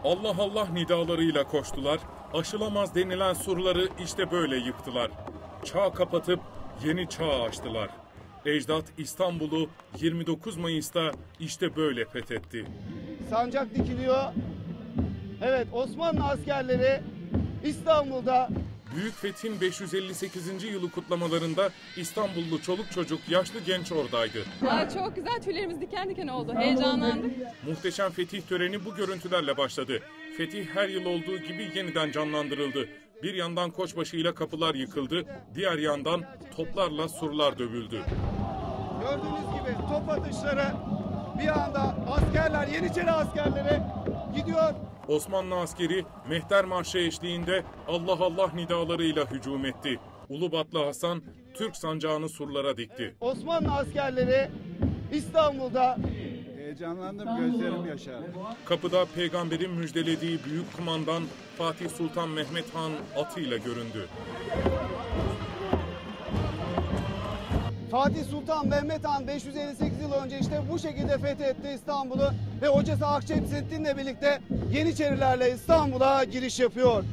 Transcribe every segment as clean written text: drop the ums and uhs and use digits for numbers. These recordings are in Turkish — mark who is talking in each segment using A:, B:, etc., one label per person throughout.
A: Allah Allah nidalarıyla koştular, aşılamaz denilen surları işte böyle yıktılar. Çağ kapatıp yeni çağ açtılar. Ecdat İstanbul'u 29 Mayıs'ta işte böyle fethetti.
B: Sancak dikiliyor. Evet, Osmanlı askerleri İstanbul'da.
A: Büyük Fetih'in 558. yılı kutlamalarında İstanbullu çoluk çocuk, yaşlı genç oradaydı.
C: Çok güzel, tüylerimiz diken diken oldu, heyecanlandık.
A: Muhteşem fetih töreni bu görüntülerle başladı. Fetih her yıl olduğu gibi yeniden canlandırıldı. Bir yandan koçbaşıyla kapılar yıkıldı, diğer yandan toplarla surlar dövüldü.
B: Gördüğünüz gibi top atışları, bir anda askerler, Yeniçeri askerleri gidiyor.
A: Osmanlı askeri Mehter Marşı eşliğinde Allah Allah nidalarıyla hücum etti. Ulubatlı Hasan Türk sancağını surlara dikti.
B: Osmanlı askerleri İstanbul'da.
D: Heyecanlandım, gözlerim yaşardı.
A: Kapıda peygamberin müjdelediği büyük kumandan Fatih Sultan Mehmet Han atıyla göründü.
B: Fatih Sultan Mehmet Han 558 yıl önce işte bu şekilde fethetti İstanbul'u ve hocası Akşemseddin'le birlikte Yeniçerilerle İstanbul'a giriş yapıyor.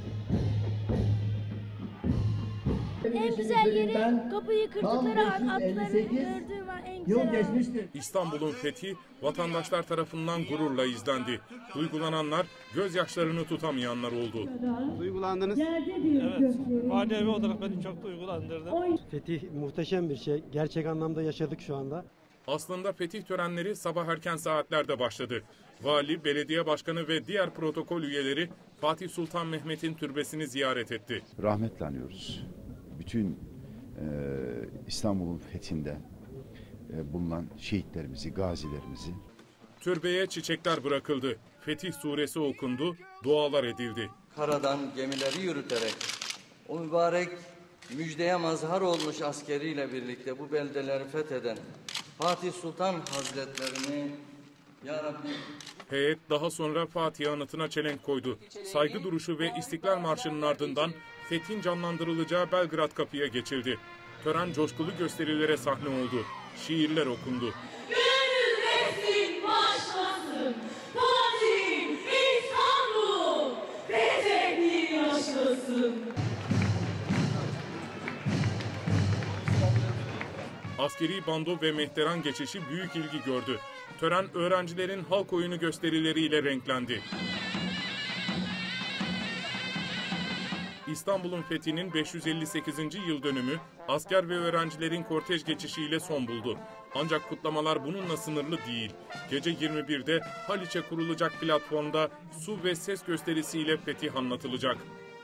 E: En güzel yeri kapıyı kırdıkları an atlarını gördüğüm an en güzel.
A: İstanbul'un fethi vatandaşlar tarafından gururla izlendi. Duygulananlar, gözyaşlarını tutamayanlar oldu.
B: Duygulandınız.
F: Evet, manevi olarak beni çok duygulandırdı.
G: Fetih muhteşem bir şey. Gerçek anlamda yaşadık şu anda.
A: Aslında fetih törenleri sabah erken saatlerde başladı. Vali, belediye başkanı ve diğer protokol üyeleri Fatih Sultan Mehmet'in türbesini ziyaret etti.
H: Rahmetle anıyoruz. Bütün İstanbul'un fethinde bulunan şehitlerimizi, gazilerimizi.
A: Türbeye çiçekler bırakıldı. Fetih suresi okundu, dualar edildi.
I: Karadan gemileri yürüterek o mübarek müjdeye mazhar olmuş askeriyle birlikte bu beldeleri fetheden Fatih Sultan Hazretlerini Ya Rabbi.
A: Heyet daha sonra Fatih anıtına çelenk koydu. Saygı duruşu ve İstiklal Marşı'nın ardından fethin canlandırılacağı Belgrad Kapı'ya geçildi. Tören coşkulu gösterilere sahne oldu. Şiirler okundu.
E: Gönül etsin başlasın, Fatih İstanbul, fethetti yaşasın.
A: Askeri bando ve mehteran geçişi büyük ilgi gördü. Tören öğrencilerin halk oyunu gösterileriyle renklendi. İstanbul'un fethinin 558. yıl dönümü asker ve öğrencilerin kortej geçişiyle son buldu. Ancak kutlamalar bununla sınırlı değil. Gece 21'de Haliç'e kurulacak platformda su ve ses gösterisiyle fetih anlatılacak.